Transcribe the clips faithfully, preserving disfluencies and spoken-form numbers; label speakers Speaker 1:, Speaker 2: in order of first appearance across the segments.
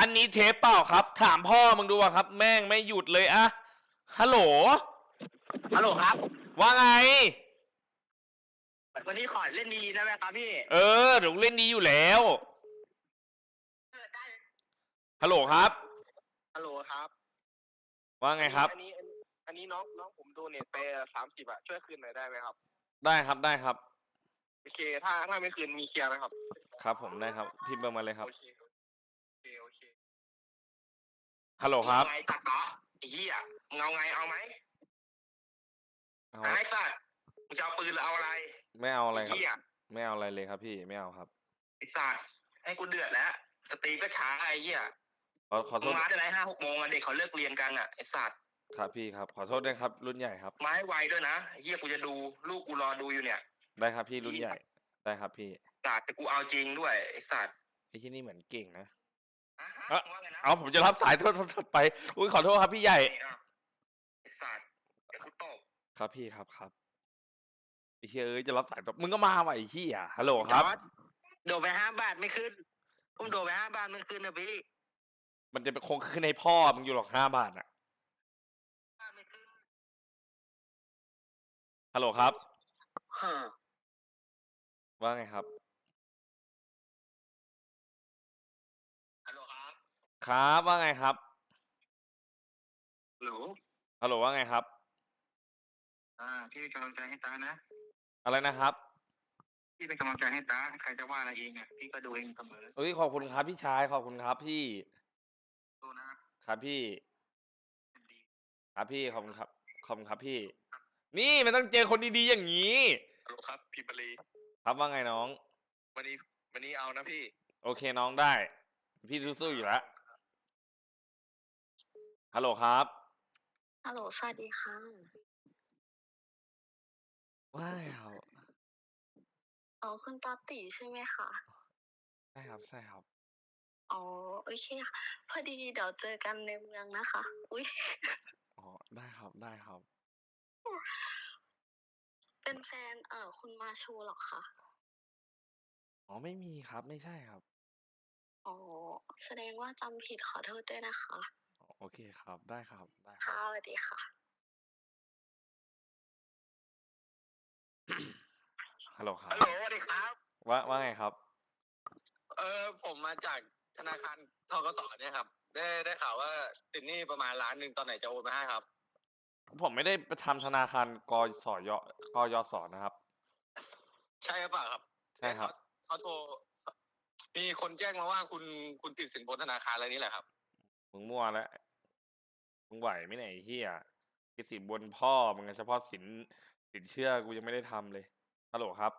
Speaker 1: อันนี้เทปเปล่าครับถามพ่อมึงดูอะครับแม่งไม่หยุดเลยอะฮัลโหล
Speaker 2: ฮัลโหลครับ
Speaker 1: ว่าไง
Speaker 2: วันนี้ขอเล่นดีได้ไหมครับพี่
Speaker 1: เออเดี๋ยวเล่นดีอยู่แล้วฮัลโหลครับ
Speaker 2: ฮัลโหลครับ
Speaker 1: ว่าไงครับ
Speaker 2: อันนี้อันนี้อันนี้น้องน้องผมโดเนทไปสามสิบอะช่วยคืนหน่อยได้ไหมครับ
Speaker 1: ได้ครับได้ครับ
Speaker 2: โอเคถ้าถ้าไม่คืนมีเคลียร์ไหมครับ
Speaker 1: ครับผมได้ครับพิมพ์เบอร์มาเลยครับ
Speaker 2: โอเคโอเคโอเค
Speaker 1: ฮัลโหลครับ
Speaker 2: ไงตัดต่อไอ้เหี้ยมึงเอาไงเอาไหม
Speaker 1: เอา
Speaker 2: ไอ้สัตว์มึงจะเอาปืนหรือเอาอะไร
Speaker 1: ไม่เอาอะไรครับ
Speaker 2: เหี้ย
Speaker 1: ไม่เอาอะไรเลยครับพี่ไม่เอาครับ
Speaker 2: ไอ้สัตว์ให้กูเดือดแล้วสตรีก็ช้าไอ้เหี้ย
Speaker 1: ขอขอโท
Speaker 2: มึง
Speaker 1: ษ
Speaker 2: มาได้ไรห้าหกโมงอะเด็กเขาเลิกเรียนกันอะไอ้สัตว์
Speaker 1: ครับพี่ครับขอโทษด้วยครับรุ่นใหญ่ครับ
Speaker 2: มาให้ไวด้วยนะไอ้เหี้ยกูจะดูลูกกูรอดูอยู่เนี่ย
Speaker 1: ได้ครับพี่รุ่นใหญ่ได้ครับพี่
Speaker 2: สัตว์แต่กูเอาจริงด้วยไอ้สัตว์
Speaker 1: ไอ้ที่นี่เหมือนเก่งนะ
Speaker 2: อ่ะฮะ
Speaker 1: เอ้า
Speaker 2: ว่าไงนะ
Speaker 1: เอาผมจะรับสายโทษโทษโทษไปอุ้ยขอโทษครับพี่ใหญ่
Speaker 2: ไอ้สัตว์เดี๋ยวกูตบ
Speaker 1: ครับพี่ครับครับไอ้เหี้ยเอ้ยจะรับสายแบบมึงก็มาว่ะไอ้เหี้ยฮัลโหลครับ
Speaker 2: โดดไปห้าบาทไม่ขึ้นผมโดดไปห้าบาทไม่ขึ้นนะพี่
Speaker 1: มันจะเป็นคงขึ้นให้พ่อมึงอยู่หรอกห้าบาทอ่ะ
Speaker 2: ไม่ขึ้น
Speaker 1: ฮัลโหลครับ
Speaker 2: ฮะ
Speaker 1: ว่าไงครับ
Speaker 2: ฮัลโหลครับ
Speaker 1: ครับว่าไงครับ
Speaker 2: ฮัลโหล
Speaker 1: ฮัลโหลว่าไงครับ
Speaker 2: อ่าพี่เป็นกำลังใจให้ตานะ
Speaker 1: อะไรนะครับ
Speaker 2: พี่เป็นกำลังใจให้ตาใครจะว่าอะไรเองเนี่ยพี่ก็ดูเองเสมอ
Speaker 1: เอ้ยขอบคุณครับพี่ชายขอบคุณครับพี่
Speaker 2: ดูนะ
Speaker 1: ครับพี่
Speaker 2: ดี
Speaker 1: ครับพี่ขอบคุณครับขอบคุณครับพี่นี่มันต้องเจอคนดีๆอย่างนี้
Speaker 2: ฮัลโหลครับพี่บรี
Speaker 1: ครับว่าไงน้อง
Speaker 2: วันนี้วันนี้เอานะพี่
Speaker 1: โอเคน้องได้พี่สู้ๆอยู่แล้วฮัลโหลครับ
Speaker 3: ฮัลโหลสวัสดีค่ะ
Speaker 1: ว้ายครับ
Speaker 3: อ๋อคุณตาตีใช่ไหมคะ
Speaker 1: ใช่ครับใช่ครับ
Speaker 3: อ๋อโอเคค่ะพอดีเดี๋ยวเจอกันในเมืองนะคะอุ๊ย
Speaker 1: อ๋อได้ครับได้ครับ
Speaker 3: เป็นแฟนเอ่อคุณมาชูเหรอคะ
Speaker 1: อ๋อไม่มีครับไม่ใช่ครับ
Speaker 3: อ๋อแสดงว่าจำผิดขอโทษด้วยนะคะ
Speaker 1: อ๋อโอเคครับได้ครับได้ครั
Speaker 3: ค่ะ
Speaker 1: บ
Speaker 3: สวัสดีค่ะ
Speaker 1: ฮัลโหลครั
Speaker 2: ฮัล
Speaker 1: บ
Speaker 2: โหลสวัสดีครับ
Speaker 1: ว่าว่าไงครับ
Speaker 2: เออผมมาจากธนาคารธกสเนี่ยครับได้ได้ข่าวว่าติดหนี้ประมาณล้านหนึ่งตอนไหนจะโอนมาให้ครับ
Speaker 1: ผมไม่ได้ไปทำธนาคารกสยกยศนะครับ
Speaker 2: ใช่หรือเปล่าครับ
Speaker 1: ใช่ครับ
Speaker 2: เขาโทรมีคนแจ้งมาว่าคุณคุณติดสินบนธนาคารอะไรนี่แหละครับ
Speaker 1: มึงมั่วแล้วมึงไหวไหมเนี่ยไอ้เหี้ยติดสินบนพ่อมึงอะเฉพาะสินสินเชื่อกูยังไม่ได้ทำเลยฮัลโหลครับ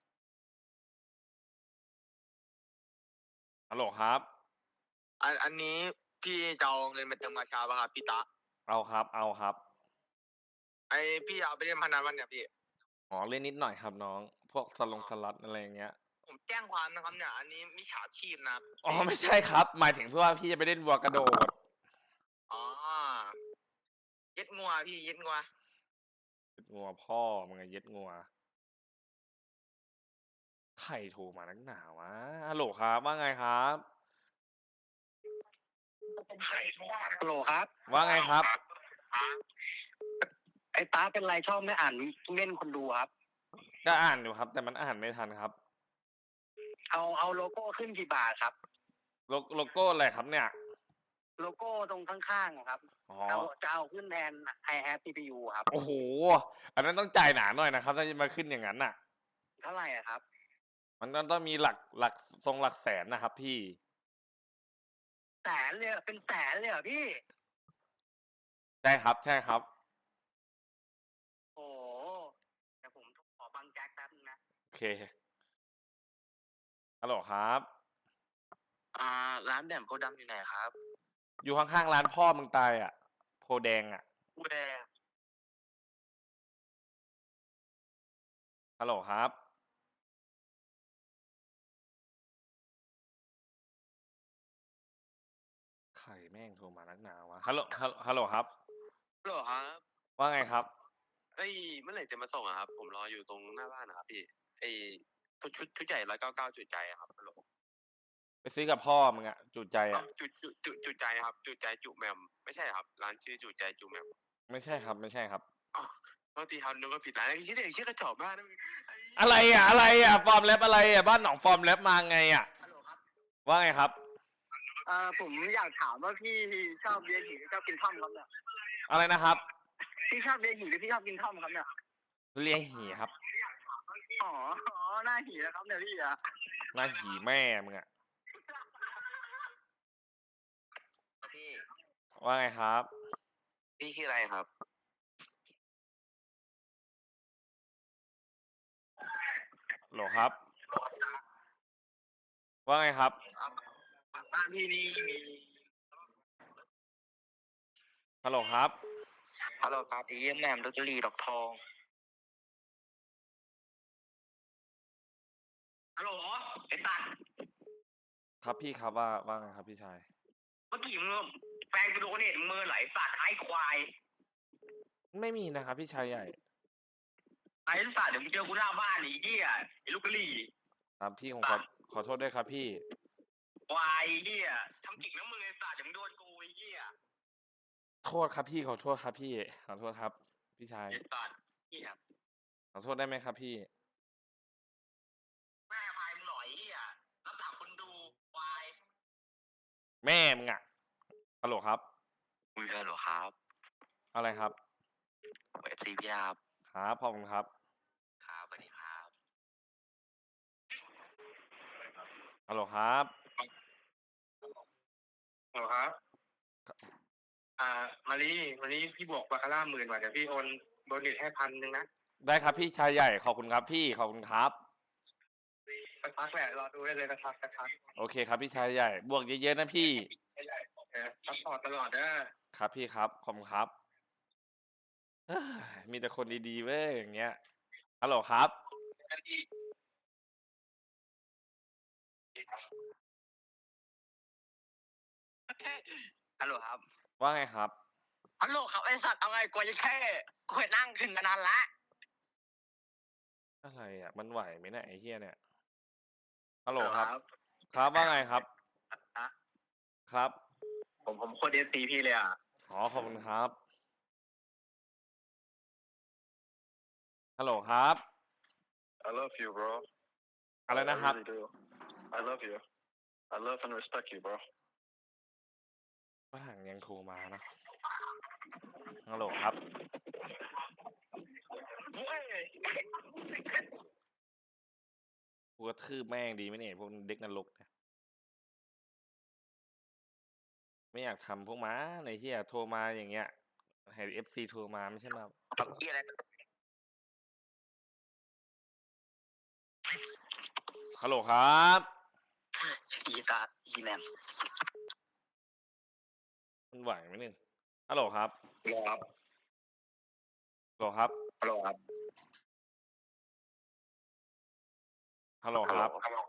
Speaker 1: ฮัลโหลครับ
Speaker 2: อันอันนี้พี่จะเอาเงินมาเติมมาชาป่ะครับพี่ตะ
Speaker 1: เอาครับเอาครับ
Speaker 2: ไอพี่เอาไปเล่นพนันวันเนี่ยพี่
Speaker 1: อ๋อเล่นนิดหน่อยครับน้องพวกสลงสล็อตอะไรอย่างเงี้ย
Speaker 2: ผมแจ้งความนะครับเนี่ยอันนี้มิจฉาชีพนะ
Speaker 1: อ๋อไม่ใช่ครับหมายถึงเพื่อว่าพี่จะไปเล่นวัวกระโดด
Speaker 2: อ๋อเย็ดงัวพี่เย็ดงัว
Speaker 1: เย็ดงัวพ่อมึงไงเย็ดงัวใครโทรมานักหนาวะฮัลโหลครับว่าไงครับ
Speaker 2: ฮัลโหลครับ
Speaker 1: ว่าไงครับ
Speaker 2: ไอ้ตาเป็นไรชอบไม่อ่านเล่นคนดูครับ
Speaker 1: ก็อ่านอยู่ครับ แต่มันอ่านไม่ทันครับ
Speaker 2: เอาเอาโลโก้ขึ้นกี่บาทครับ
Speaker 1: โลโลโก้อะไรครับเนี่ย
Speaker 2: โลโก้ตรงข้างๆครับ
Speaker 1: อ๋อ
Speaker 2: เอาจะเอาขึ้นแทน I have ซี พี ยู ครับ
Speaker 1: โอ้โหอันนั้นต้องจ่ายหนาหน่อยนะครับถ้าจะมาขึ้นอย่างนั้นน่ะ
Speaker 2: เท่าไหร่อะครับ
Speaker 1: มันต้องต้องมีหลักหลักทรงหลักแสนนะครับพี่
Speaker 2: แสนเลยเหรอเป็นแสนเลยเหรอพี่
Speaker 1: ใช่ครับใช่ครับ
Speaker 2: โอ้เดี๋ยวผมขอบังแจ็คแป๊บนึงนะ
Speaker 1: โอเคฮัลโหลครับ
Speaker 2: อ่าร้านแหม่มโพธิ์ดำอยู่ไหนครับ
Speaker 1: อยู่ข้างๆร้านพ่อมึงตายอ่ะโพแดงอ่ะ
Speaker 2: กูแดง
Speaker 1: ฮัลโหลครับใครแม่งโทรมานักหนาวะฮัลโหลฮัลฮัลโหลครับ
Speaker 2: ฮัลโหลครับ
Speaker 1: ว่าไงครับ
Speaker 2: เอ้ยเมื่อไหร่จะมาส่งอะครับผมรออยู่ตรงหน้าบ้านนะครับพี่ไอ้ชุดชุดชุดใหญ่ร้อยเก้าเก้าจุดใจอะครับฮัลโหล
Speaker 1: ไปซื้อกับพ่อมึงอะจุใจ
Speaker 4: เอ้า
Speaker 1: อะ
Speaker 4: จุจุจุจุใจครับ จุใจจุแหม่มไม่ใช่ครับ ร้านชื่อจุใจจุแหม่ม
Speaker 1: ไม่ใช่ครับ ไม่ใช่ครับ
Speaker 4: อ้าวโทษทีครับนึกว่าผิดร้านไอ้เหี้ยเด็กเหี้ยกระจอกมากนะมึงไอ้
Speaker 1: อะไรอะอะไรอะฟอร์มแรปอะไรอะบ้านหนองฟอร์มแรปมาไงอะ
Speaker 2: ฮัลโหลครับ
Speaker 1: ว่าไงครับ
Speaker 2: เอ่อผมอยากถามว่าพี่ชอบเบียร์หญิงหรือชอบกินท่อมครับเนี่ย
Speaker 1: อะไรนะครับ
Speaker 2: พี่ชอบเบียร์หญิงหรือพี่ชอบกินท่อมครับเนี่ย
Speaker 1: เลียหีครับ
Speaker 2: อ๋ออ๋อหน้าหีนะครับเนี่ยพี่อะ
Speaker 1: หน้าหีแม่มึงอะ
Speaker 4: พี่
Speaker 1: ว่าไงครับ
Speaker 4: พี่ชื่ออะไรครับ
Speaker 1: โหลครับ ว่าไงครับ
Speaker 2: บ้านพี่นี่มี
Speaker 1: ฮัลโหลครับ
Speaker 4: ฮัลโหลครับพี่เยี่ยมแหม่มดอกลีดอกทอง
Speaker 2: ฮัลโหลไอ้ตัด
Speaker 1: ครับพี่ครับว่าว่าไงครับพี่ชาย
Speaker 2: เมื่อกี้มึงแฟนกูโดนเน็ตมือไหลสัตว์ไอ้ควาย
Speaker 1: ไม่มีนะครับพี่ชายใหญ่
Speaker 2: ไอ้สัตว์เดี๋ยวมึงเจอกูหน้าบ้านไอ้เหี้ยไอ้ลูกกะหรี่
Speaker 1: ครับพี่ผมขอขอโทษด้วยครับพี่
Speaker 2: ควายไอ้เหี้ยทำกิ่งน้ำมือไอ้สัตว์เดี๋ยวมึงโดนกูไอ้เหี้ย
Speaker 1: โทษครับพี่ขอโทษครับพี่ขอโทษครับ พี่ชาย
Speaker 2: ไอ้สัตว์เหี้ย
Speaker 1: ขอโทษได้ไหมครับพี่
Speaker 2: แม่พายมึงหน่อยไอ้เหี้ยรับหลังคนดูควาย
Speaker 1: แม่มึงอะฮัลโหลครับ
Speaker 4: คุยกันเหรอครับ
Speaker 1: อะไรครับ
Speaker 4: เอฟซีพี่ครับ
Speaker 1: ครับขอบคุณครับ
Speaker 4: ครับสวัสดีครับ
Speaker 1: ฮัลโหลครับ
Speaker 2: ฮัลโหลครับ อ่า มารีมารีพี่บวกบาคาร่าหมื่นว่ะเดี๋ยวพี่โอนโดนเน็ตให้พันหนึ่งนะ
Speaker 1: ได้ครับพี่ชายใหญ่ขอบคุณครับพี่ขอบคุณครับ
Speaker 2: สักพักแหละรอดูได้เลยสักพักสักพัก
Speaker 1: โอเคครับพี่ชายใหญ่ บวกเยอะๆนะพี่
Speaker 2: เออซัพพอร์ตตลอดเด้อ
Speaker 1: ครับพี่ครับขอบคุณครับเอ้ยมีแต่คนดีๆเว้ยอย่างเงี้ยฮัลโหลครับ
Speaker 4: ฮัลโหลครับ
Speaker 1: ว่าไงครับ
Speaker 2: ฮัลโหลครับไอสัตว์เอาไงกลัวจะแค่กลัวนั่งขึ้นมานานละ
Speaker 1: อะไรอ่ะ มันไหวไหมเนี่ยไอ้เฮียเนี่ยฮัลโหลครับ ครับว่าไงครับ ครับ
Speaker 2: ผมผมโคตรเอฟซีพี่เลยอ่ะ
Speaker 1: อ๋อขอบคุณครับฮัลโหลครับ
Speaker 5: I love you, bro.
Speaker 1: อะไรนะครับ
Speaker 5: I really do. I love you. I love and respect you, bro.
Speaker 1: ฝรั่งยังโทรมานะฮัลโหลครับกูกระทืบแม่งดีไหมเนี่ยพวกเด็กนรกเนี่ยไม่อยากทำพวกม้าในที่อยากโทรมาอย่างเงี้ยให้เอฟซีโทรมาไม่ใช่มา
Speaker 4: เหี้ยอะไร
Speaker 1: ฮัลโหลครับ
Speaker 4: อีตาอีแหม่ม
Speaker 1: มันไหวไหมเนี่ยฮัลโหลครับ
Speaker 4: ครับ
Speaker 1: ฮัลโหลครับ
Speaker 4: ฮัลโหลครับ
Speaker 1: ฮัลโหลครับ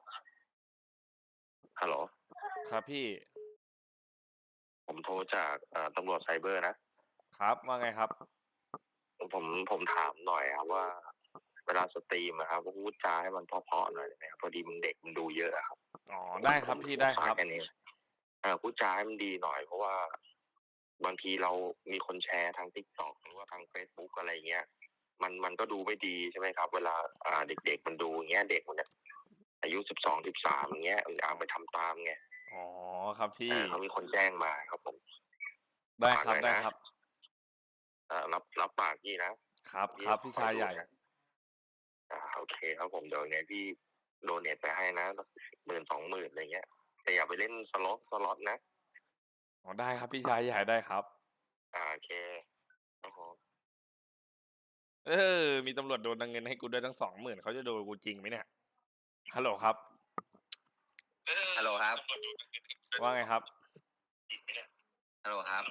Speaker 5: ฮัลโหล
Speaker 1: ครับพี่
Speaker 5: ผมโทรจากเอ่อตำรวจไซเบอร์นะ
Speaker 1: ครับว่าไงครับ
Speaker 5: ผมผมถามหน่อยครับว่า เวลาสตรีมนะครับพูดจาให้มันเพราะๆหน่อยได้ไหมครับพอดีมันเด็กมันดูเยอะครับ
Speaker 1: อ๋อได้ครับพี่ได้ครับ
Speaker 5: แค่นี้เออพูดจาให้มันดีหน่อย เพราะว่าบางทีเรามีคนแชร์ทางทิกตอกหรือว่าทางเฟซบุ๊กอะไรเงี้ย มันมันก็ดูไม่ดีใช่ไหมครับ เวลาอ่าเด็กๆมันดูอย่างเงี้ย เด็กมันเนี่ยอายุสิบสองสิบสามอย่างเงี้ยมันเอาไปทำตามไง
Speaker 1: อ๋อครับพี่
Speaker 5: เออเขามีคนแจ้งมาครับผม
Speaker 1: ได้ครับ
Speaker 5: ฝากหน่อย
Speaker 1: ได้
Speaker 5: นะ
Speaker 1: ครับ
Speaker 5: เอ่อรับรับปากพี่นะครับ
Speaker 1: ครับพี่ชายใหญ่
Speaker 5: อ่าโอเคครับผมเดี๋ยวไงพี่โดเนทไปให้นะหมื่นสองหมื่นอะไรเงี้ยแต่อย่าไปเล่นสล็อตสล็อตนะ
Speaker 1: อ๋อได้ครับพี่ชายใหญ่ได้ครับ
Speaker 5: อ่าโอเคครับผม
Speaker 1: เออ มีตำรวจโดนเงินให้กูด้วยทั้งสองหมื่นเขาจะโดนกูจริงไหมเนี่ยฮัลโหลครับ
Speaker 4: ฮัลโหลครับ
Speaker 1: ว่าไงครับ
Speaker 4: ฮัลโหลครับ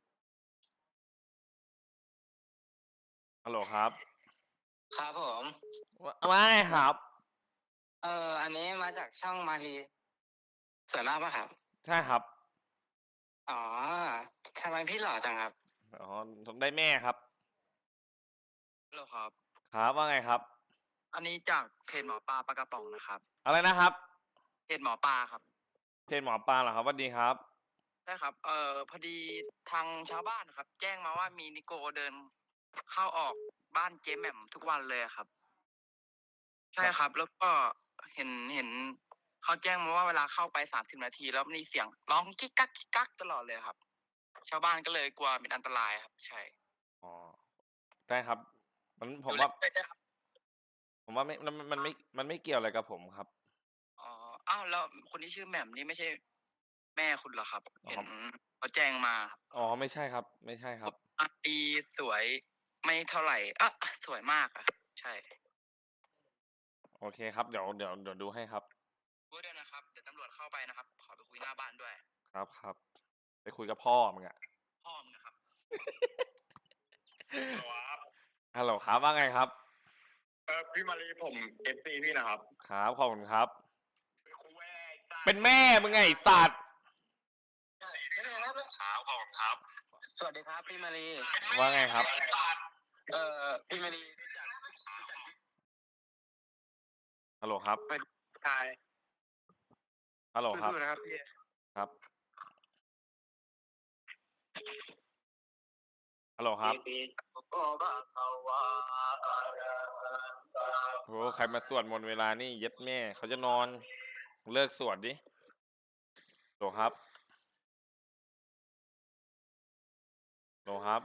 Speaker 1: ฮัลโหลครับ
Speaker 2: ครับผม
Speaker 1: ว่าว่าไงครับ
Speaker 2: เอออันนี้มาจากช่องมารีสวยมากปะครับ
Speaker 1: ใช่ครับ
Speaker 2: อ๋อทำไมพี่หล่อจังครับ
Speaker 1: อ๋อผมได้แม่ครับ
Speaker 2: หล่อครับ
Speaker 1: ครับว่าไงครับ
Speaker 2: อันนี้จากเพจหมอปลาปลากระป๋องนะครับ
Speaker 1: อะไรนะครับ
Speaker 2: เพจหมอปลาครับ
Speaker 1: เพจหมอปลาเหรอครับสวัสดีครับ
Speaker 6: ใช่ครับ เอ่อพอดีทางชาวบ้านครับ แจ้งมาว่ามีนิโกเดินเข้าออกบ้านเจ๊แหม่มทุกวันเลยอะครับ ใช่ครับ แล้วก็เห็นเห็นเขาแจ้งมาว่าเวลาเข้าไปสามสิบนาที แล้วมีเสียงร้องกิ๊กกักกิ๊กกักตลอดเลยครับ ชาวบ้านก็เลยกลัวเป็นอันตรายครับ ใช่
Speaker 1: อ๋อได้ครับ มันผมว่า
Speaker 6: ดูแลด้วยครับ
Speaker 1: ผมว่าไม่มันมันไม่มันไม่เกี่ยวอะไรกับผมครับ
Speaker 6: อ๋ออ้าวแล้วคนที่ชื่อแหม่มนี่ไม่ใช่แม่คุณเหรอครับ
Speaker 1: อ๋อ
Speaker 6: เห็นเขาแจ้งมาครับ
Speaker 1: อ๋อไม่ใช่ครับ ไม่ใช่ครับ
Speaker 6: อาตีสวยไม่เท่าไหร่อ่ะสวยมากอะใช่
Speaker 1: โอเคครับเดี๋ยวเดี๋ยวเดี๋ยวดูให้ครับ
Speaker 6: พูดด้วยนะครับ เดี๋ยวตำรวจเข้าไปนะครับ ขอไปคุยหน้าบ้านด้วย
Speaker 1: ครับครับ ไปคุยกับพ่อมึงอะ
Speaker 6: พ่อมึงนะครับ
Speaker 2: ครับ
Speaker 1: ฮัลโหลครับว่าไงครับ
Speaker 2: เออพี่มารีผมเอฟซีพี่นะครับ
Speaker 1: ครับขอบคุณครับ
Speaker 2: คุยจ้า
Speaker 1: เป็นแม่มึงไงไอ้สัตว์
Speaker 2: ครับขอบคุณครับ
Speaker 6: สวัสดีครับพี่มารี
Speaker 1: ว่าไงครับ
Speaker 6: เอ่อพี่มารี
Speaker 1: ฮัลโหลครับ
Speaker 6: ชาย
Speaker 1: ฮัลโหลครับ
Speaker 6: สู้ๆนะครับพี่
Speaker 1: ครับฮัลโหลครับโหใครมาสวดมนต์เวลานี่เย็ดแม่เขาจะนอนเลิกสวดดิโหลครับโหลครับ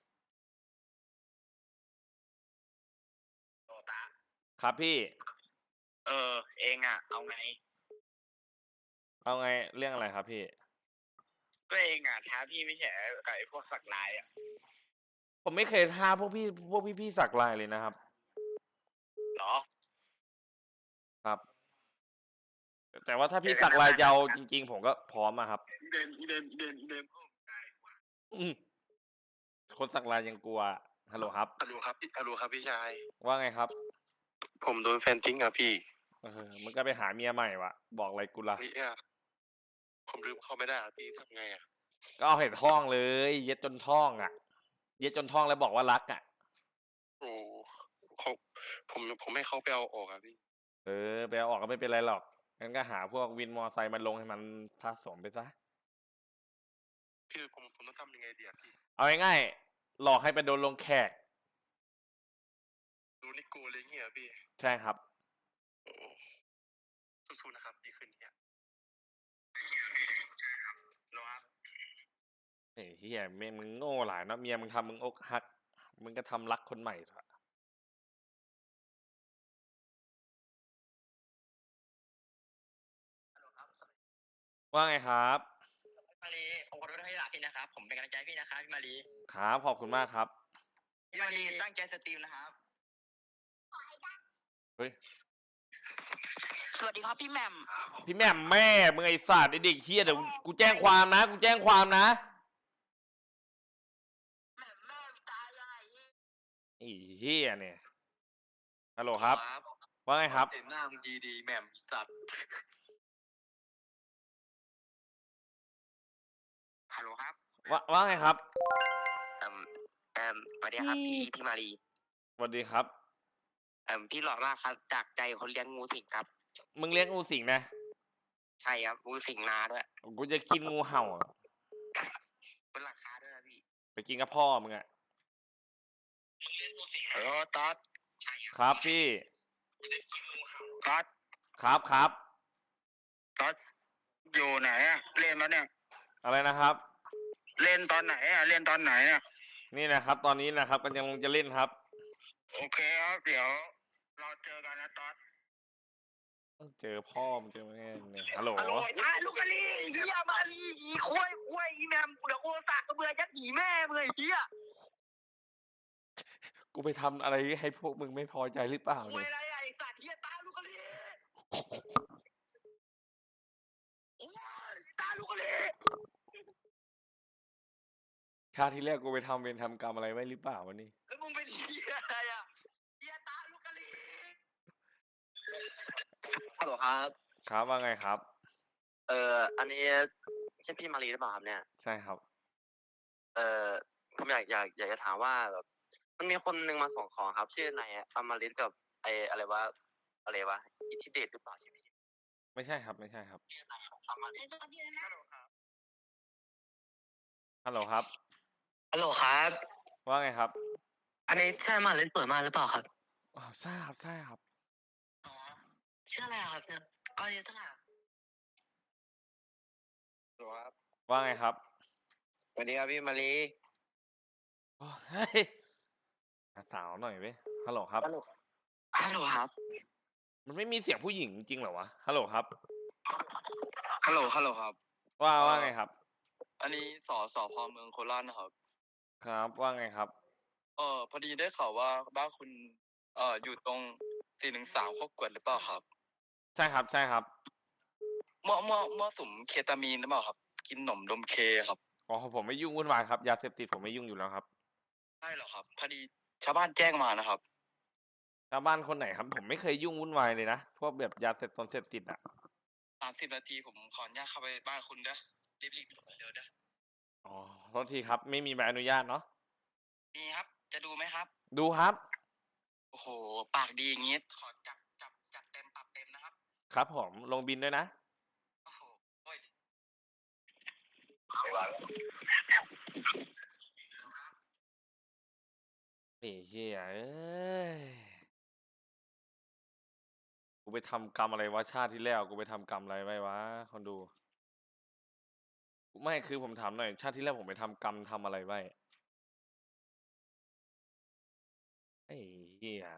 Speaker 2: โตตา
Speaker 1: ครับพี่
Speaker 2: เออ เองอ่ะ เอาไง
Speaker 1: เอาไงเรื่องอะไรครับพี่
Speaker 2: ก็เองอ่ะท้าพี่ไม่ใช่กับไอ้พวกสักลายอ่ะ
Speaker 1: ผมไม่เคยท้าพวกพี่พวกพี่พี่สักลายเลยนะครับ
Speaker 2: เหรอ
Speaker 1: ครับ แต่ว่าถ้าพี่สักลายยาวจริง ๆ ผมก็พร้อมอะครับ
Speaker 2: เดินเดินเดินเดิน
Speaker 1: อืมคนสักลายยังกลัวฮัลโหลครับ
Speaker 4: ฮัลโหลครับพี่ฮัลโหลครับพี่ชาย
Speaker 1: ว่าไงครับ
Speaker 4: ผมโดนแฟนทิ้งอ่ะพี่
Speaker 1: เออมึงก็ไปหาเมียใหม่วะบอกอะไรกูละ
Speaker 4: เฮ้ยอ่ะผมลืมเข้าไม่ได้อ่ะพี่ทำไงอ่ะ
Speaker 1: ก็เอาเห็ดท่องเลย เย็ดจนท่องอ่ะ เย็ดจนท่องแล้วบอกว่ารักอ่ะ
Speaker 4: โอ้เขาผมผมให้เขาไปเอาออกอ่ะพี่
Speaker 1: เออไปเอาออกก็ไม่เป็นไรหรอกงั้นก็หาพวกวินมอไซค์มาลงให้มันสะสมไปซะ
Speaker 4: พี่ผมผมต้องทำยังไงดีอ่ะพี่
Speaker 1: เอาง่ายๆหลอกให้ไปโดนลงแขก
Speaker 4: ดูนิโก้เลยเงี้ยพี่
Speaker 1: ใช่ครับ
Speaker 4: โอ้สู้ๆนะครับพี่คืนนี้อะรอครับ
Speaker 1: เฮ้ยเฮียแม่งมึงโง่หลายเนอะเมียมึงทำมึงอกหัก มึงก็ทำรักคนใหม่เถอะว่าไงครับ
Speaker 6: พี่มารีผมขอโทษที่หลับพี่นะครับ ผมเป็นกำลังใจให้พี่นะครับพี่มารี
Speaker 1: ครับขอบคุณมากครับ
Speaker 6: พี่มารีตั้งใจสตรีมนะครับ
Speaker 1: เฮ้ย
Speaker 6: สวัสดีครับพี่แหม่ม
Speaker 1: พี่แม่มแม่มึงไอ้สัตว์ไอ้เด็กเฮียเดี๋ยวกูแจ้งความนะ กูแจ้งความนะ
Speaker 6: แหม่มแม่ตายยังไงพี่
Speaker 1: ไอ้เฮียเนี่ย ฮัลโหลครับ ว่าไงครับ
Speaker 2: เห็นหน้ามึงดีดีแหม่มสัตว์
Speaker 6: ฮัลโหลครับ
Speaker 1: ว่าว่าไงครับ
Speaker 6: เอ่มเอ่มสวัสดีครับพี่พี่มารี
Speaker 1: สวัสดีครับ
Speaker 6: เอ่มพี่หล่อมากครับ จากใจคนเลี้ยงงูสิงครับ
Speaker 1: มึงเลี้ยงงูสิงนะ
Speaker 6: ใช่ครับงูสิงนาด้วย
Speaker 1: กูจะกินงูเห่าอะ
Speaker 6: เป็นราคาด้วยนะพี่
Speaker 1: ไปกินกับพ่อมึงอะ
Speaker 2: เออตัด
Speaker 1: ครับพี่
Speaker 2: ตัด
Speaker 1: ครับครับ
Speaker 2: ตัดอยู่ไหนอ่ะ เล่นแล้วเนี่ย
Speaker 1: อะไรนะครับ
Speaker 2: เล่นตอนไหนอ่ะ เล่นตอนไหนอ่ะ
Speaker 1: นี่นะครับ ตอนนี้นะครับก็ยังจะเล่นครับ
Speaker 2: โอเคครับ เดี๋ยวเราเจอกันนะตัด
Speaker 1: เจอพ่อมึงเจอแม่มึงเนี่ยฮัลโหล
Speaker 6: อ่ะลูกกะลีเฮียมาลีอีคุยคุยอีแมมเดี๋ยวกูสากกระเบือยัดหนีแม่มึงไอ้เฮีย
Speaker 1: กูไปทำอะไรให้พวกมึงไม่พอใจหรือเปล่า
Speaker 6: คุย
Speaker 1: เนี่ย
Speaker 6: อะไรอ่ะไอ้สัตว์เฮียตาลูกกะลีโอ้ยตาลูกกะลี
Speaker 1: ชาติที่แรกกูไปทำเวรทำกรรมอะไรไว้หรือเปล่าวะนี่
Speaker 6: แล้วมึงเป็นเฮียอะไรอ่ะเฮียตาลูกกะลีฮัลโหลครับ
Speaker 1: ครับว่าไงครับ
Speaker 6: เอ่ออันนี้ใช่พี่มารีหรือเปล่าครับเนี่ย
Speaker 1: ใช่ครับ
Speaker 6: เอ่อผมอยากอยากอยากจะถามว่าแบบมันมีคนหนึ่งมาส่งของครับ ชื่อนายอมฤตกับไออะไรวะอะไรวะอิทธิเดชหรือเปล่าใช่ไหม
Speaker 1: ไม่ใช่ครับ ไม่ใช่ครับ
Speaker 2: ทำมา
Speaker 3: ไอ้ตัวเดียวนะ
Speaker 1: ฮัลโหลครับ
Speaker 7: ฮัลโหลครับ
Speaker 1: ว่าไงครับ
Speaker 7: อันนี้ใช่มาเล่นเปิดมาหรือเปล่าครับ
Speaker 1: อ้าวใช่ครับใช่ครับ
Speaker 7: อ๋อชื่ออะไรครับเนี่ยอายุเท่าไหร่
Speaker 2: ครับ
Speaker 1: ว่าไงครับ
Speaker 2: สวัสดีครับพี่มารี
Speaker 1: โอ้เฮ้ยหาสาวหน่อยเว้ยฮัลโหลครับ
Speaker 7: ฮัลโหลครับ
Speaker 1: มันไม่มีเสียงผู้หญิงจริงเหรอวะฮัลโหลครับ
Speaker 6: ฮัลโหลฮัลโหลครับ
Speaker 1: ว่าว่าไงครับ
Speaker 6: อันนี้สอสอพอเมืองโคราชนะครับ
Speaker 1: ครับว่าไงครับ
Speaker 6: เออพอดีได้ข่าวว่าบ้านคุณเอ่ออยู่ตรงสี่หนึ่งสามข้อกวดหรือเปล่าครับ
Speaker 1: ใช่ครับใช่ครับ
Speaker 6: เมื่อเมื่อเมื่อสุมเคตามีนหรือเปล่าครับ กินหนมดมเคครับ
Speaker 1: อ๋อผมไม่ยุ่งวุ่นวายครับยาเสพติดผมไม่ยุ่งอยู่แล้วครับ
Speaker 6: ใช่เหรอครับพอดีชาวบ้านแจ้งมานะครับ
Speaker 1: ชาวบ้านคนไหนครับ ผมไม่เคยยุ่งวุ่นวายเลยนะพวกแบบยาเสพติดเสพติดอ่ะ
Speaker 6: สามสิบนาทีผมขออนุญาตเข้าไปบ้านคุณเด้อรีบๆเร็วๆเด้อ
Speaker 1: อ๋อโทษทีครับ ไม่มีใบอนุญาตเนาะ
Speaker 6: มีครับ จะดูไหมครับ
Speaker 1: ดูครับ
Speaker 6: โอ้โห ปากดีอย่างงี้ ขอจับจับจับเต็มปรับเต็มนะครับ
Speaker 1: ครับผมลงบินด้วยนะ
Speaker 6: โอ้โหโอ้ย
Speaker 1: ไอ้เหี้ยเอ้ยกูไปทำกรรมอะไรวะชาติที่แล้วกูไปทำกรรมอะไรไว้วะคนดู ไม่คือผมถามหน่อย ชาติที่แล้วผมไปทำกรรมทำอะไรไว้ไอ้เหี้ย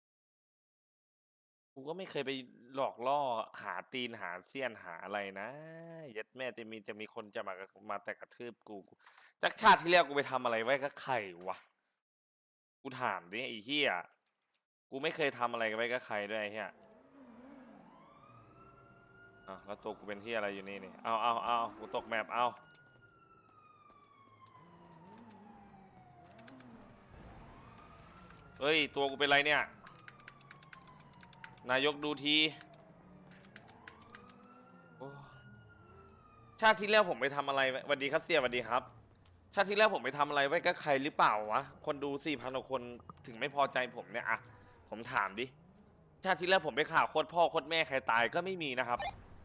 Speaker 1: กูก็ไม่เคยไปหลอกล่อหาตีนหาเสี้ยนหาอะไรนะเย็ดแม่จะมีจะมีคนจะมามาแต่กระทืบกูจากชาติที่แล้วกูไปทำอะไรไว้ก็ใครวะกูถามดิไอ้เหี้ยกูไม่เคยทำอะไรไว้กับใครด้วยไอ้เหี้ยอ้าวแล้วตัวกูเป็นเหี้ยอะไรอยู่นี่นี่เอาเอาเอากูตกแมปเอาเฮ้ยตัวกูเป็นไรเนี่ยนายกดูทีโอ้ชาติที่แล้วผมไปทำอะไรไว้สวัสดีครับเสียสวัสดีครับ ชาติที่แล้วผมไปทำอะไรไว้กับใครหรือเปล่าวะคนดูสี่พันกว่าคนถึงไม่พอใจผมเนี่ยอะผมถามดิชาติที่แล้วผมไปข่าวโคตรพ่อโคตรแม่ใครตายก็ไม่มีนะครับ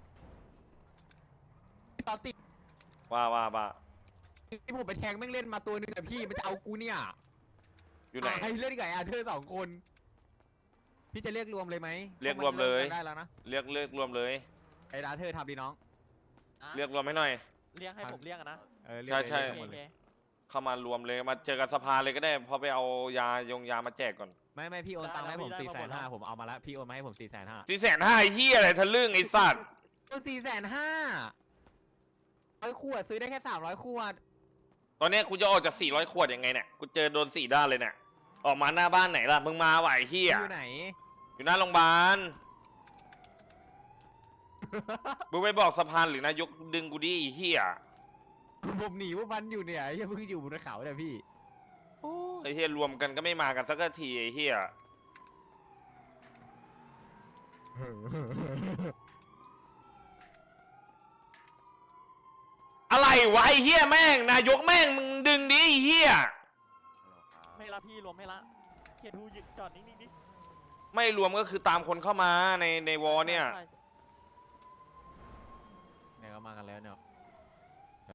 Speaker 8: ตอนติด
Speaker 1: ว่าว่าว่า
Speaker 8: ที่ผมไปแทงแม่งเล่นมาตัวหนึงอะพี่มันจะเอากูเนี่ย
Speaker 1: อยู่ไหน
Speaker 8: อ่ะให้เล่นกับไอ้อาเธอร์สองคน พี่จะเรียกรวมเลยไหม
Speaker 1: เรียกรวมเลย
Speaker 8: พาะนได้แล้วนะ
Speaker 1: เรียกเรียกรวมเลย
Speaker 8: ไอ้อาเธอร์ทำดีน้อง
Speaker 1: เรียกรวมให้หน่อย
Speaker 9: เรียกให้ผมเรียกอะนะ
Speaker 8: เออเรียก
Speaker 1: ใช่ใช่
Speaker 8: เรียก
Speaker 9: โอ
Speaker 8: หมด
Speaker 9: เค
Speaker 8: เลย
Speaker 1: เข้ามารวมเลยมาเจอกันสภาเลยก็ได้พอไปเอายายงยามาแจกก่อน
Speaker 8: ไม่ไม่พี่โอนตังค์มาให้ผม
Speaker 9: ได้
Speaker 8: สี่
Speaker 9: ได้
Speaker 8: แสน
Speaker 9: ได้
Speaker 8: ห้าผมเอามาแล้วพี่โอนมาให้ผมสี่แสนห้า
Speaker 1: สี่แสนห้าเฮียอะไรทะลึ่งไอ้สัตว์
Speaker 8: สี่แสนห้าร้อยขวดซื้อได้แค่สามร้อยขวด
Speaker 1: ตอนเนี้ยกูจะออกจากสี่ร้อยขวดยังไงเนี่ยกูเจอโดนสี่ด้านเลยเนี่ยออกมาหน้าบ้านไหนล่ะมึงมาไหวะไอ้เฮีย
Speaker 8: อยู่ไหน
Speaker 1: อยู่หน้าโรงพยาบาล มึงไปบอกสะพานหรือนายกดึงกูดิไอ้เหี้ย
Speaker 8: ผมหนีพวกมันอยู่เนี่ยยังเพิ่งอยู่บนเขาเนี่ยพี่
Speaker 1: ไอ้เหี้ยรวมกันก็ไม่มากันสักทีไอ้เหี้ยอะไรวะไอ้เหี้ยแม่งนายกแม่งมึงดึงดิไอ้เหี้ย
Speaker 9: ไม่ละพี่รวมไม่ละเขียนทูหยุดจอดนิ่งๆดิ
Speaker 1: ไม่รวมก็คือตามคนเข้ามาในในวอเนี่ย
Speaker 9: ใช่
Speaker 8: เนี่ยก็มากันแล้วเนี่ย